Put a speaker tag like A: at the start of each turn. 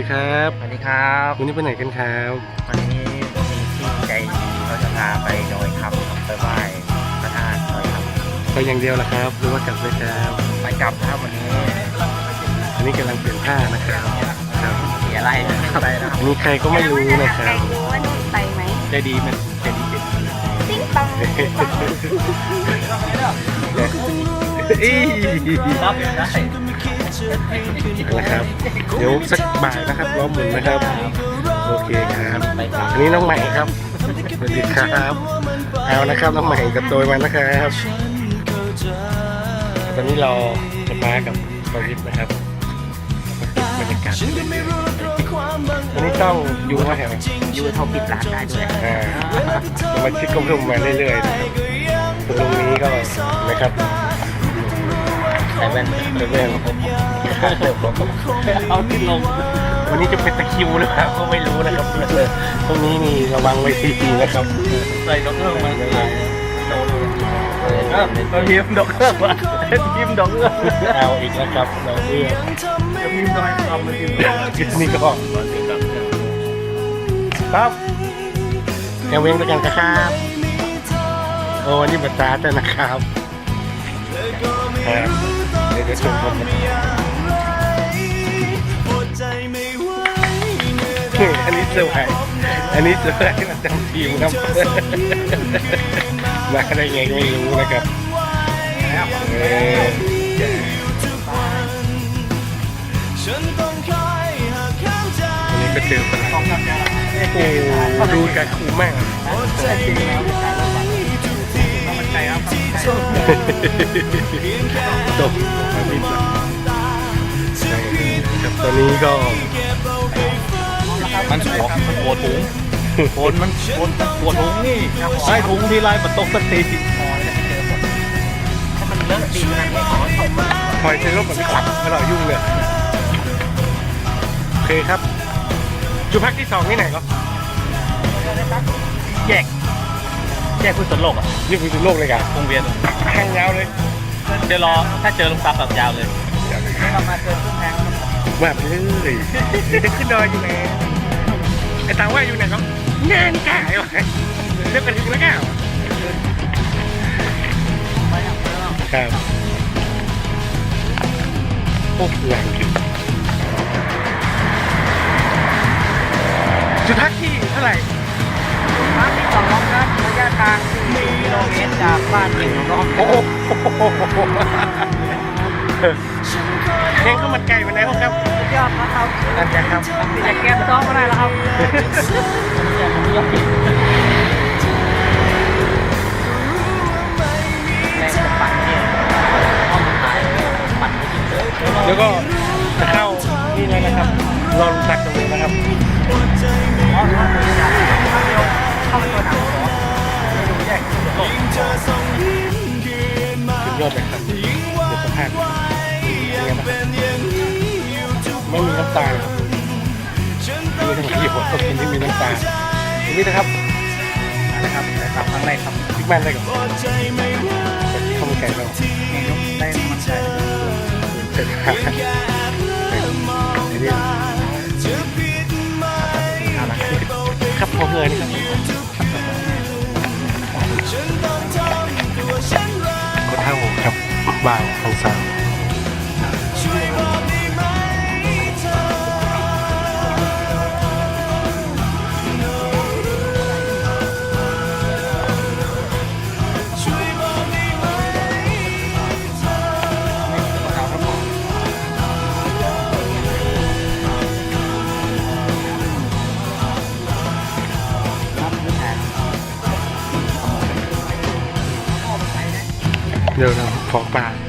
A: ดีครับ
B: สวัสดีครับ
A: วันนี้ไปไหนกันครับ
B: วันนี้มีพี่ใจดีเขาจะพาไปดอยคำครับไปไหว้พระธาตุดอยค
A: ไปอย่างเดียวล่ะครับหรือว่ากลับด้วยครับ
B: ำไปกลับครับวันนี้
A: อันนี้กำลังเปลี่ยนผ้านะครับครับ
B: เสียไรนะครับไปนะครับ
A: อันนี้ใครก็ไม่รู้นะครับ
C: รู้ว่านุ่นไปไหม
A: ใจดีมันใจดี
C: ติ๊งตองติ๊งตอง
A: อี
B: รับได้
A: นะครับ เดี๋ยวสักบ่ายนะครับล้อมหมุนนะครับ โอเคครับ อันนี้น้องใหม่ครับ สวัสดีครับ เอานะครับน้องใหม่กับโดยมานะครับ ตอนนี้เราจะมากับปวิทย์นะครับบรรยากาศวันนี้ต้องอยู่ว่าแถว
B: ยูเท่าปิดร้านได้ด้วย
A: สมาชิกก็เพิ่มมาเรื่อยๆนะครับตรงนี้ก็นะครับ
B: ใส่แว่น
A: เรื่อง
B: เอาขึ้นลง
A: วันนี้จะเป็นตะคริวหรือเปล่าก็ไม่รู้นะครับตรงนี้นี่ระวังไว้ดีๆนะครับ
B: ใส่ดอกเอื้องมาเราพิมพ์ดอกเอื้องวะพิมพ์ดอกเอื้อง
A: เอาอีกนะครับเราเอื้อ
B: จะพิมพ์ดอยคำมาพิมพ์
A: นี่ก็ครับแอลเวงด้วยกันครับโอ้วันนี้บัตรตาแต่นะครับครับเดี๋ยวจะชมผมอันนี้เซอร์ไพรส์อันนี้เซอร์ไพรส์ประจำทีมครับมาได้ไงก็ไม่รู้นะครับอันนี้ก็เจอปัญหาโอ้ดูการคูมาก จบมาบินแล้วครับตอนนี้ก็
B: มันปวดถุงปวดมันปวดถุงนี่ใช้ถุงทีไรมันตกสักทีถ้ามันเลอะดีขนาดนี้ขอตกมา
A: คอยใช้รถแบบไม่ขับไม่หล่อยุ่งเลยโอเคครับจุดพักที่2นี่ไหนครับ
B: แยกพุทธโลกอ่ะ
A: นี่คือโลกเลยครับ
B: วงเวียน
A: แห้งยาวเลย
B: เดี๋ยวรอถ้าเจอลุงซับแบบยาวเลยเรามาเจอขึ้นแทง
A: แบบเลยขึ้นดอยอยู่ไหนไอ้ตาว่าอยู่ไหนครับงานกายวะเรียกกันถึงแล้วก้าวครับโอ้แรงจริงจุดพักที่เท่าไหร่
B: มาที่2น้องครับระยะทาง4กิโลเมตรจากบ้านถึงน้อง
A: โอ้โหเองก็มันไก่ไปไหนครับ
B: สุดยอดครับ
A: นั่นแหละครับ
B: แต่แกมซ้อมก็ได้แล้วครับแรงจะปั่นเนี่ยห้องถ่ายปั่นไม่จริงเลย
A: แล้วก็จะเข้านี่เลยนะครับรอลุงตักตรงนี้นะครับ
B: อ๋อถ้าเป็นอย่างถ้าเร็วเข้าไปตัวหนังหัวแยกโลก
A: สุดยอดเลยครับเดี๋ยวสัมภาษณ์เป็นไงบ้างไม่มีน้ำตาครับมีทั้งที่ผมก็กินที่มีน้ำตาตรงนี้นะครับ
B: นะครับแต่ทำครั้งแรกครับ
A: พิกแมนได้ก่อนข้าวมันไก่เรา
B: เมนูได้มันใช่
A: เสร็จครับอันนี้ครับพอเงยนี่ครับก็เท่าครับบ่าวของสาวเดี๋ยวเราขอปลา